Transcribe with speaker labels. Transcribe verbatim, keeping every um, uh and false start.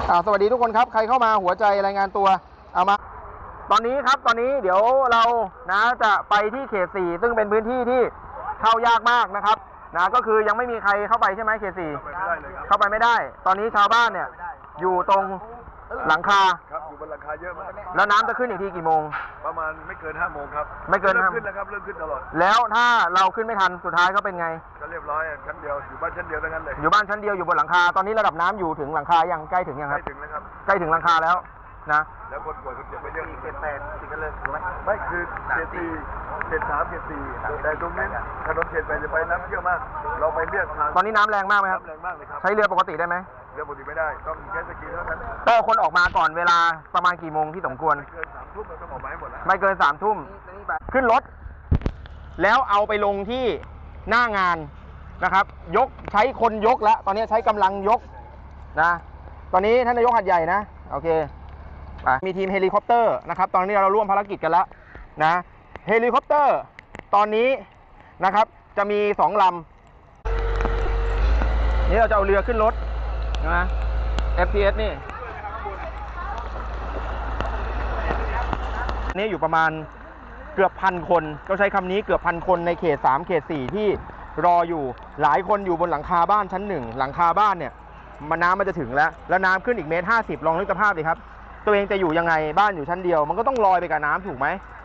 Speaker 1: อ่าสวัสดีทุกคนครับใครเข้ามาหัวใจรายงานตัวเอามาตอนนี้ครับตอนนี้เดี๋ยวเรานะจะไปที่เขตสี่ซึ่งเป็นพื้นที่ที่เข้ายากมากนะครับนะก็คือยังไม่มีใครเข้าไปใช่ไหมเขตสี่เข้าไปไม่ได้ตอนนี้ชาวบ้านเนี่ยอยู่ตรงหลังคา
Speaker 2: ครับอยู่บนหลังคาเยอะมาก
Speaker 1: แล้วน้ำจะขึ้นอีกทีกี่โมง
Speaker 2: ประมาณไม่เกินห้าโมงครับ
Speaker 1: ไม่เกิน
Speaker 2: เริ่มขึ้นแล้วครับเริ่มขึ้นตลอด
Speaker 1: แล้วถ้าเราขึ้นไม่ทันสุดท้ายก็เป็นไง
Speaker 2: ก็เรียบร้อยชั้นเดียวอยู่บ้านชั้นเดียวทั้งนั้นเลย
Speaker 1: อยู่บ้านชั้นเดียวอยู่บนหลังคาตอนนี้ระดับน้ำอยู่ถึงหลังคายังใกล้ถึงยังครับ
Speaker 2: ใกล้ถึงแล้วครับ
Speaker 1: ใกล้ถึงหลังคาแล้วนะ
Speaker 2: แล้วคนป่วยคนเจ็บไปเยอะ
Speaker 1: เขตแปดติดกันเลยถูกไหม
Speaker 2: ไม่คือเขตสี่เขตสามเขตสี่แต่ตรงนี้ถนนเขตแปดจะไปน้ำเยอะมากเราไปเรียกทาง
Speaker 1: ตอนนี้น้ำแรงมากไหมครับ
Speaker 2: แรงมากเลยครับ
Speaker 1: ใช้เรือปกติได้ไหม
Speaker 2: เรือปกติไม่ได้ต้องใช้สกีเท่านั้น
Speaker 1: ก็คนออกมาก่อนเวลาประมาณกี่โมงที่สมควร
Speaker 2: ไม่เกินสามทุ่มเราต้องออกมาให้หมดแล้ว
Speaker 1: ไม่เกินสามทุ่มขึ้นรถแล้วเอาไปลงที่หน้างานนะครับยกใช้คนยกแล้วตอนนี้ใช้กำลังยกนะตอนนี้ท่านนายกหัดใหญ่นะโอเคมีทีมเฮลิคอปเตอร์นะครับตอนนี้เราร่วมภารกิจกันแล้วนะเฮลิคอปเตอร์ตอนนี้นะครับจะมีสองลำนี่เราจะเอาเรือขึ้นรถนะ เอฟ พี เอส นี่นี่อยู่ประมาณเกือบพันคนก็ใช้คำนี้เกือบพันคนในเขตสามเขตสี่ที่รออยู่หลายคนอยู่บนหลังคาบ้านชั้นหนึ่งหลังคาบ้านเนี่ยมันน้ำมันจะถึงแล้วแล้วน้ำขึ้นอีกเมตรห้าสิบลองนึกสภาพดิครับตัวเองจะอยู่ยังไงบ้านอยู่ชั้นเดียวมันก็ต้องลอยไปกับน้ำถูกไหม